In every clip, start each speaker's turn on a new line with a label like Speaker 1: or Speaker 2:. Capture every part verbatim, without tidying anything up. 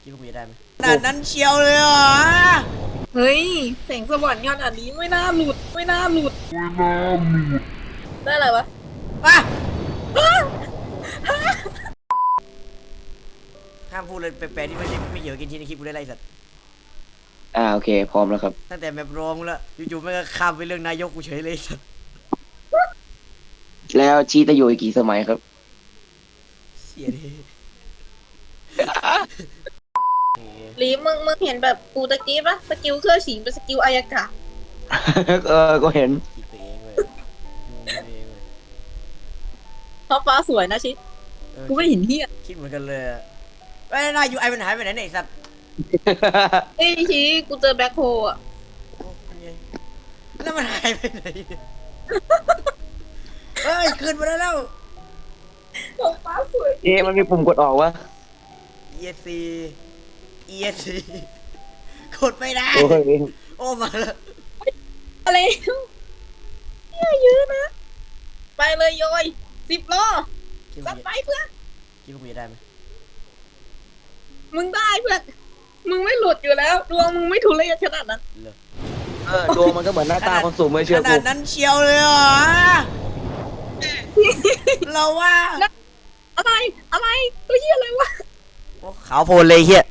Speaker 1: คิดว่ากูจะได้ไหมขนาดนั้นเชียวเลยเหรอ
Speaker 2: เฮ้ยแสงสว่างขนาดนี้ไม่น่าหลุดไม่น่าหลุดไม่น่าหลุดได้อะไรวะ
Speaker 1: อ่ะห้ามพูดเลยแปลกๆที่ไม่ใช่ไม่เกี่ยวกับกินชิ้นในคลิปกูได้ไรสัตว์
Speaker 3: อ่าโอเคพร้อมแล้วครับ
Speaker 1: ตั้งแต่แมปรองแล้วอยู่ๆไม่ก็ข้ามไปเรื่องนายกกูเฉยเลยสัตว์
Speaker 3: แล้วชีตะอยู่อีกกี่สมัยครับ
Speaker 1: เสียดิ
Speaker 2: ลีมึงมึงเห็นแบบกูตะกี้ปะสกิลเครื่องฉิงเป็นสกิลอายากะ
Speaker 3: เออก็เห็น
Speaker 1: คิดไปเองเว้ยงงไปเองเว้ย
Speaker 2: ท้องฟ้าสวยนะชิกูไม่เห็นเฮีย
Speaker 1: คิดเหมือนกันเลยไอ้นายยูไอมันหายไปไหนเนี่ยไอ้สัตว์
Speaker 2: เฮ้ยชิกูเจอแบ็คโฮอ่ะ
Speaker 1: แล้วมันหายไปไหนเฮ้ยคืนมาได้แล้ว
Speaker 2: ท้องฟ้าสวย
Speaker 3: เอ๊ะมันมีปุ่มกดออกวะ
Speaker 1: อี เอส ซี อี เอส ซี กดไม่ได้
Speaker 3: โอ้ย
Speaker 1: โอ้มาแล้ว
Speaker 2: อะไรเนี่ยเยอะนะไปเลยโยยสิบล้อ
Speaker 1: คิด
Speaker 2: สั
Speaker 1: ว่า
Speaker 2: ดไปเพื่อน
Speaker 1: คิดว่ากูจะได้ไหม
Speaker 2: มึงได้เพื่อนมึงไม่หลุดอยู่แล้วดวงมึงไม่ทุเรศขนาดนั้น
Speaker 1: เลย
Speaker 3: เออดวงมันก็เหมือนหน้าตาคนสูงไม่เชื่อ
Speaker 1: ข
Speaker 3: กู
Speaker 1: นาดนั้นเชียวเลยเหรอเราว่า
Speaker 2: อะไรอะไรตัวเฮียอะไรวะ
Speaker 1: ขาวโพลนเลยเฮีย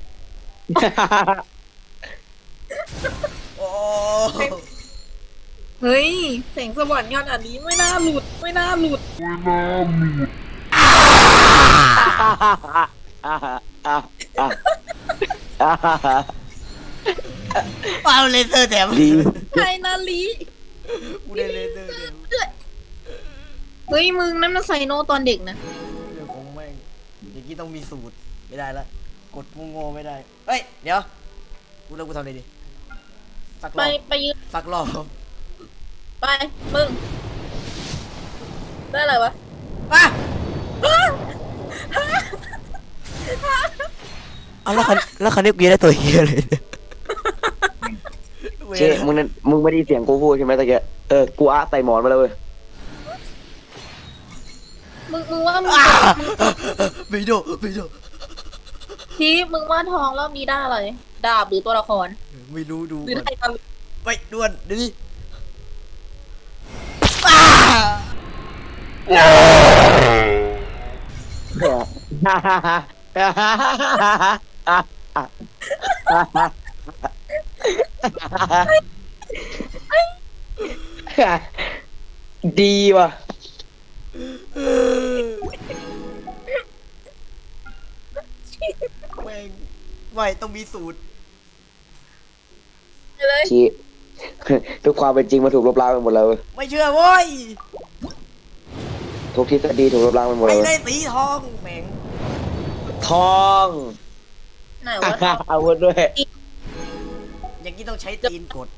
Speaker 1: โอ้
Speaker 2: เฮ้ยแสงสว่างขนาดนี้ไม่น่าหลุดไม่น่าหลุด
Speaker 1: เอาเลเซอร์แถม
Speaker 3: ดี
Speaker 2: ใครนาลี
Speaker 1: กูได้เลเซอร์แถม
Speaker 2: เฮ้ยมึงนั่นมันไซโนตอนเด็กนะ
Speaker 1: เรื่องของแม่งอย่างนี้ต้องมีสูตรไม่ได้ละกดโง่ๆไม่ได้เฮ้ยเดี๋ยวกูเลิกกูทำอะไรดีสักร
Speaker 2: ไป
Speaker 1: อบ
Speaker 2: ไปยืน
Speaker 1: สักรอบ
Speaker 2: ไปมึงได้อะไรวะ
Speaker 1: มาเอาแล้วคันแล้วคันนี้กูได้ตัวเฮียเลยเนี่ย
Speaker 3: เช่มึงนั่นมึงไม่ได้เสียงกูพูดใช่ไหมตะเกียเออกูอะใส่หมอนมาแล้วเว้ย
Speaker 2: มึงมึงว่ามึง
Speaker 1: ไม่โดไม่โด
Speaker 2: ทีมึงว่าทองรอบนี้ได้อะไรดาบหรือตัวละคร
Speaker 1: ไม่รู้ดู
Speaker 2: หรือ
Speaker 1: ก่อน
Speaker 2: ได้กัน
Speaker 1: ไปด่วนเดี๋ยวนี้
Speaker 3: ดีว่ะ
Speaker 1: แม่งไม่ต้องมีสูตร
Speaker 2: เลย
Speaker 3: ชีทุกความเป็นจริงมาถูกลบล้างไปหมดแล้วเว้ย
Speaker 1: ไม่เชื่อเว้ย
Speaker 3: ทุกทฤษฎีถูกลบล้างไปหมด
Speaker 1: ไม่
Speaker 3: แล้วเว้
Speaker 1: ได้
Speaker 3: ย
Speaker 1: สีทองแม่ง
Speaker 3: ทอง
Speaker 2: ไหนวะ
Speaker 3: อาวุธด้วย
Speaker 1: อย่างนี้ต้องใช้ตีนกด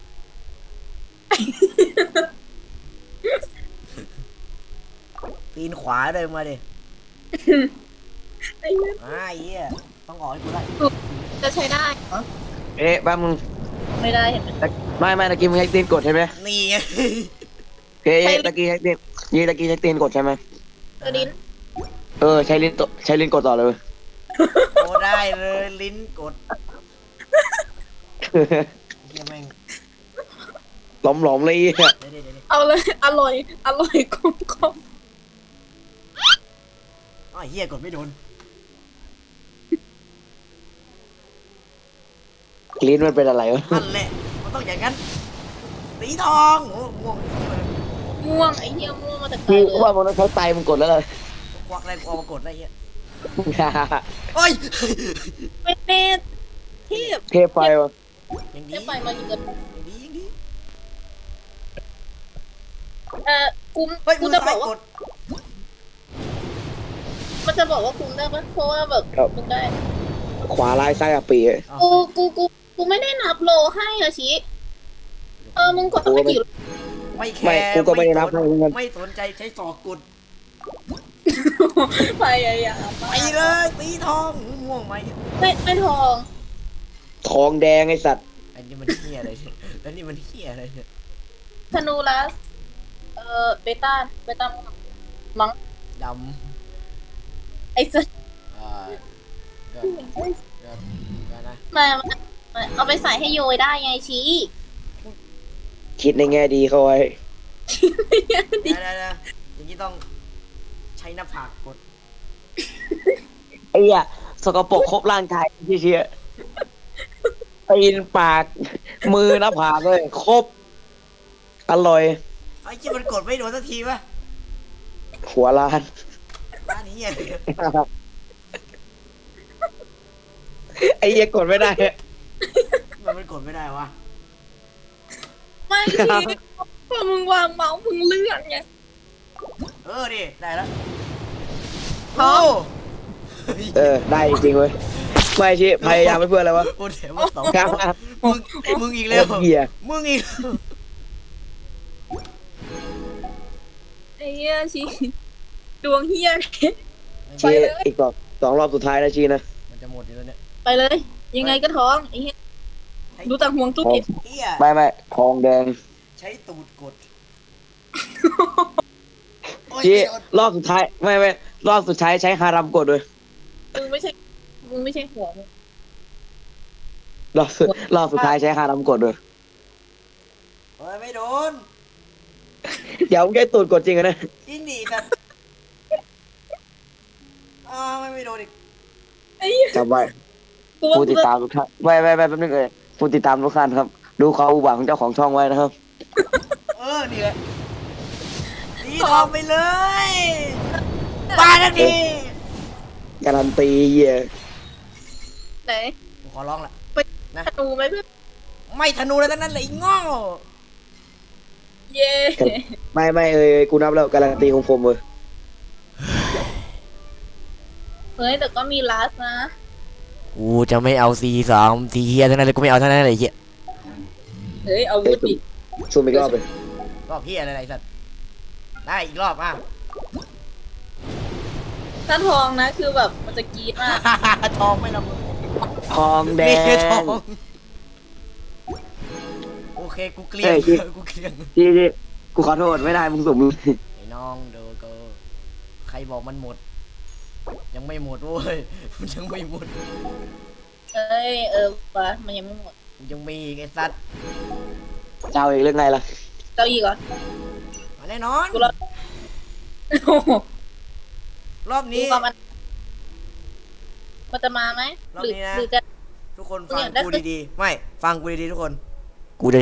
Speaker 1: ตีนขวาเลยมาดิ
Speaker 2: ไอ้เหี้ย
Speaker 1: อ่าเหี้ยต้องออกให้กูได้
Speaker 2: จะใช้ได้เหรอ
Speaker 3: เอ๊ะบ้ามึง
Speaker 2: ไม่ได้เห็นไหม
Speaker 3: ไม่ไม่ตะกี้มึงใช้ตีนกดใช่ไหม
Speaker 1: นี่ไง
Speaker 3: เฮ้ยตะกี้ใช้ตีนยี่ตะกี้ใช้ตีนกดใช่ไหม
Speaker 2: กระดิน
Speaker 3: เออใช้ลิ้นตใช้ลิ้นกดต่อเลยเว้ย
Speaker 1: โอ้ได้เลยลิ้นกดเฮียแม่ง
Speaker 3: หลอมหลอมๆเลยอ่ะ
Speaker 1: เดี๋ยวเดี๋ยวเดี๋ยว
Speaker 2: เอาเลยอร่อยอร่อยกลมกลม
Speaker 1: อ๋อเฮียกดไม่โดน
Speaker 3: ลิ้นมันเป็นอะไรวะ
Speaker 1: นั่นแหละมันต้องอย่างนั้นสีทองโอ้ม่วง
Speaker 2: ม่วงไอ้เหี้ยม่วงมาแต่ไกล
Speaker 3: พี่
Speaker 2: เลย
Speaker 3: ว่ามันต้องใช้ไตมันกดแล้วเลย
Speaker 1: ควักอะไรกูเอามากดได้เฮียโอ้ย
Speaker 2: เป็นเม็ดเทพ
Speaker 3: เทพไฟวะ
Speaker 1: อย่าง
Speaker 2: เท
Speaker 1: นี้
Speaker 2: พไปมาเยือน
Speaker 1: อย่างนี้อย่างนี้
Speaker 2: เออกู
Speaker 1: เฮ้ย
Speaker 2: กู
Speaker 1: มือ
Speaker 2: จะบ
Speaker 1: ซ้า
Speaker 2: อย ก
Speaker 1: ก
Speaker 2: ว่า
Speaker 1: ด
Speaker 2: มันจะบอกว่ากูได้ปะเพราะว่าแบบมึงได้
Speaker 3: ขวาลายซ้ายอะปีอะ
Speaker 1: อ้าว
Speaker 2: กูกูกูกูไม่ได้นับโลให้อะชิเออมึงกดไปกี่
Speaker 1: ไม่แค
Speaker 3: ไม่
Speaker 1: ร์
Speaker 3: กูก็ไม่ได้นับ
Speaker 1: ส
Speaker 3: ให้เหมือนกัน
Speaker 1: ไม่สนใจใช้ศอกกด
Speaker 2: พยายาม
Speaker 1: ไปเลยสีทองม่วงไหม
Speaker 2: ไม่ไม่ทอง
Speaker 3: ทองแดงไอสัตว์
Speaker 1: อันนี้มันเฮียอะไรเนี่ยแล้วนี่มันเฮียอะไรเนี่ย
Speaker 2: ธนูลัสเออเบต้าเบต้ามั้ง
Speaker 1: ด
Speaker 2: ไอ้สัส
Speaker 1: ำอ่าก็ก็ก็
Speaker 2: มาเอาไปใส่ให้โยยได้ไงชี้
Speaker 3: คิดในแง่ดีเขาไว้
Speaker 1: เดี๋ยวเดี๋ยวเดี๋ยวอย่างนี้ต้องใช้หน้าผากกด
Speaker 3: ไอ้เหี้ยสกปรกครบร่างกายเชี่ยตีนปากมือหน้าผากเลยครบอร่อย
Speaker 1: ไอ้ที่มันกดไม่โดนสักทีวะ
Speaker 3: หัวล้าน
Speaker 1: ร้านนี้เหี้ย
Speaker 3: ไอ้เหี้ยกดไม่ได้
Speaker 1: มันมันกดไม่ได้วะ
Speaker 2: ไม่ชี้พอมึงวางเมาส์มึงเลื่อนไง
Speaker 1: เออดิได้แล้ว
Speaker 2: พร้อม
Speaker 3: เออได้จริงเว้ยไม่ชิพยายามไม่เพื่ออะไรวะ
Speaker 1: โอ้เดี๋ยวมึงสองมึงมึงอีกแล้ว
Speaker 3: โคตรเหี้ย
Speaker 1: มึงอีก
Speaker 2: ไอ้เหี้ยชี้ดวงเหี้ย
Speaker 3: ชีอีกสองสองรอบสุดท้ายนะชีนะ
Speaker 1: มันจะหมดอยู่แล้วเนี่ย
Speaker 2: ไปเลย ยังไงก็ท้องไอ้เหี้ยดูจากห่วงตู้
Speaker 3: ทอง
Speaker 2: เก็บ
Speaker 1: เหี้ย
Speaker 3: ไม่ไม่ทองแดง
Speaker 1: ใช้ตูดกดโอ้ย
Speaker 3: ชี
Speaker 1: ไม่โดน
Speaker 3: รอบสุดท้ายไม่ไม่รอบสุดท้ายใช้ฮารัมกดด้วย
Speaker 2: มึงไม่ใช่มึงไม่ใช่หัวมึง
Speaker 3: รอบสุดรอบสุดท้ายใช้ฮารัมกดด้วย
Speaker 1: เฮ้ยไม่โดน
Speaker 3: เดี๋ยวมึงแค่ตูดกดจริงอะนะ
Speaker 1: จริงดิแต่อ้าวไม่ไม่โดนอีก
Speaker 2: ไอ้เหี้ย
Speaker 3: จำไว้
Speaker 2: กูว่า
Speaker 3: ผู้ติดตามทุกท่านไม่ไม่ไม่แป๊บนึงเลยผู้ติดตามทุกท่านครับ ดูความอุบาทของเจ้าของช่องไว้นะครับ
Speaker 1: เออนี่แหละสีทองไปเลยบาทักที
Speaker 3: การันตีเหี้ย
Speaker 2: ไหน
Speaker 1: กูขอร้องละ
Speaker 2: ธนูไหมเพื่อน
Speaker 1: ไม่ธนูแล้วทั้งนั้นเลยไอ้โง่อ
Speaker 2: เย่
Speaker 3: ไม่ไม่เอ้ยกูนับแล้วการันตีของผมเลย
Speaker 2: เฮ้ยแต่ก็มีลัสนะ
Speaker 1: กูจะไม่เอาซีสามซีเฮียทั้งนั้นเลยกูไม่เอาทั้งนั้นเลยไอ้เฮีย
Speaker 2: เฮ้ยเอาวุธดิ
Speaker 3: ซูมอีกรอบเลย
Speaker 1: รอบเฮียอะไรไอ้สัตว์ได้อีกรอบอ่ะ
Speaker 2: ถ้าทองนะคือแบบมันจะกรี๊ดมาก
Speaker 1: ทองไม่ละมึง
Speaker 3: ทองแด
Speaker 1: นี่ทอง
Speaker 3: ง
Speaker 1: โอเคกูเกลียง
Speaker 3: เอ้ยคิด
Speaker 1: กูเกลียง
Speaker 3: ที่ที่กูขอโทษไม่ได้มึงสุ่ม
Speaker 1: ไอ้น้องเดอเกอร์ใครบอกมันหมด ยังไม่หมดเว้ยมันยังไม่หมด
Speaker 2: เอ้ยเออวะมันยังไม่หมด
Speaker 1: ยังมีอีกไอ้สัตว์
Speaker 3: เจ้าอีกเรื่องไงล่ะ
Speaker 2: เจ้าอีกเหรอ
Speaker 1: มาแน่นอน
Speaker 2: กูรอโอ้โห
Speaker 1: รอบ
Speaker 2: ดู
Speaker 1: นี้
Speaker 2: ความมันมันจะมาไหม
Speaker 1: รอบ
Speaker 2: หรือ
Speaker 1: นี้นะ
Speaker 2: หรือจะ
Speaker 1: ทุกคนฟัง
Speaker 2: เนี่ยได้
Speaker 1: กูดีๆไม่ฟังกูดีๆทุกคน กูจะได้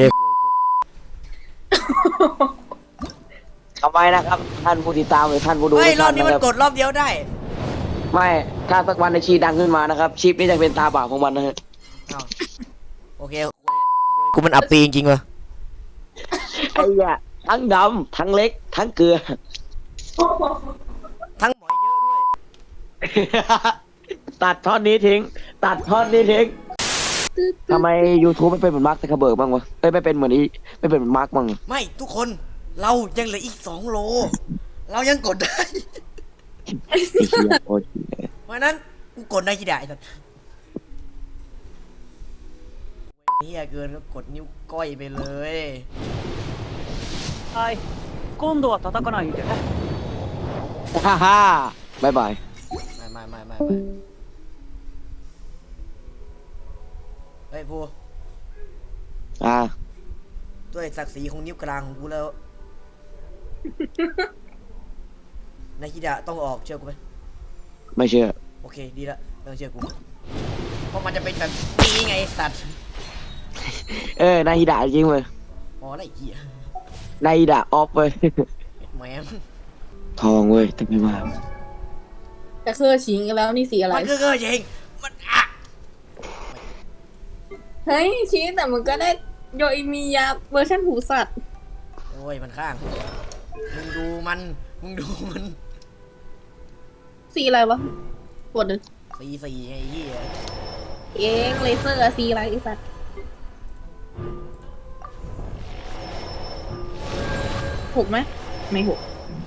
Speaker 3: ทำไมนะครับ ท่านผู้ติดตามหรือท่านผู้ดู
Speaker 1: เฮ้ย
Speaker 3: ทุก
Speaker 1: รอ
Speaker 3: ท่า
Speaker 1: บนี้มัน
Speaker 3: ะค
Speaker 1: ก
Speaker 3: รับ
Speaker 1: ดรอบเดียวได้
Speaker 3: ไม่ถ้าสักวันในชีดังขึ้นมานะครับชีพนี้จะเป็นตาบาปของมันนะฮะ
Speaker 1: อ้าวโอเคกูมันอับปีจริงๆวะ
Speaker 3: ไอ้เหี้ยทั้งดำทั้งเล็ก ทั้งเกลือ
Speaker 1: ทั้งหมอยเยอะด้วย
Speaker 3: ตัดท่อนนี้ทิ้ง ตัดท่อนนี้ทิ้งทำไม YouTube ไม่เป็นเหมือนมาร์คซักเคอร์เบิร์กบ้างวะเอ้ยไม่เป็นเหมือนอีไม่เป็นเหมือนมาร์คบ้าง
Speaker 1: ไม่ทุกคนเรายังเหลืออีกสองโล เรายังกดได้
Speaker 3: ไอ้เหี้ยโอ้ย
Speaker 1: เพราะฉะนั้นกูกดได้กี่ได้สัตว์เฮียเกินก็กดนิ้วก้อยไปเลย
Speaker 4: はい今度は叩かないでね
Speaker 3: ฮ่าฮ่าบายบาย
Speaker 1: ไม่ไม่ไม่ไม่ไม่เฮ้ยภู
Speaker 3: อ่า
Speaker 1: ด้วยศักดิ์ศรีของนิ้วกลางของกูแล้ว นาคิดะต้องออกเชื่อกูไหม
Speaker 3: ไม่เชื่อ
Speaker 1: โอเคดีละไม่ต้องเชื่อกูเพราะมันจะเป็นแบบนี้ไงไอ้สัตว์
Speaker 3: เออนายฮิดะจริงเว้ย
Speaker 1: อ๋ออะไรเหี้ย
Speaker 3: นายฮิดะออฟเว้ย
Speaker 1: แหมม
Speaker 3: ทองเว้ยแต่ไม่มา
Speaker 2: จะเครือชิงกันแล้วนี่สีอะไร
Speaker 1: มันคือเกอร์จริงมันอ่ะ
Speaker 2: เฮ้ยชี้แต่มึงก็ได้โยอิมียาเวอร์ชันหูสัตว์
Speaker 1: โอ้ยมันข้างมึงดูมันมึงดูมัน
Speaker 2: สีอะไรวะปวดเลย
Speaker 1: สีสีไงไอ้เหี้ย
Speaker 2: เองเลเซอร์อะสีอะไรไอสัตว์หกไหมไม่หก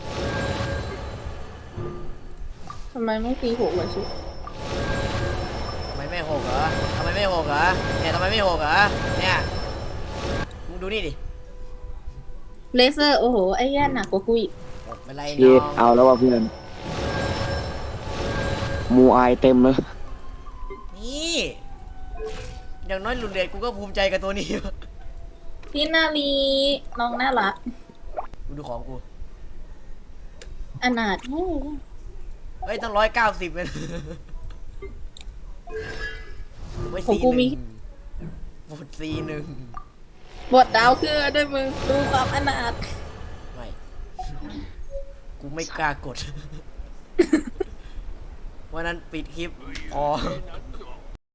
Speaker 2: ทำไมไม่ตีหกเลยชิ
Speaker 1: ทำไมไม่หกเหรอทำไมไม่หกเหรอเนี่ยทำไมไม่หกเหรอเนี่ยมึงดูนี่ดิ
Speaker 2: เลเซอร์โอ้โหไอ้แย่หนักกว่ากูอีก
Speaker 1: หกเป็นไร
Speaker 3: เย็
Speaker 1: น้
Speaker 3: ด
Speaker 1: อง
Speaker 3: เอาแล้วว่ะเพื่อนมูอายเต็มเลย
Speaker 1: นี่อย่างน้อยหลุดเดทกูก็ภูมิใจกับตัวนี้
Speaker 2: พี่นาลีน้องน่ารัก
Speaker 1: กูดูของกู
Speaker 2: อนาถ
Speaker 1: เฮ้ยตั้งร้อยเก้าสิบเลยไว้
Speaker 2: ของ
Speaker 1: ซี
Speaker 2: กู
Speaker 1: ห
Speaker 2: มี
Speaker 1: นึ่งบทซีหนึ่ง
Speaker 2: บทดาวคือด้วยมึงดูความอนาถ
Speaker 1: ไม่ กูไม่กล้ากด วันนั้นปิดคลิปพอ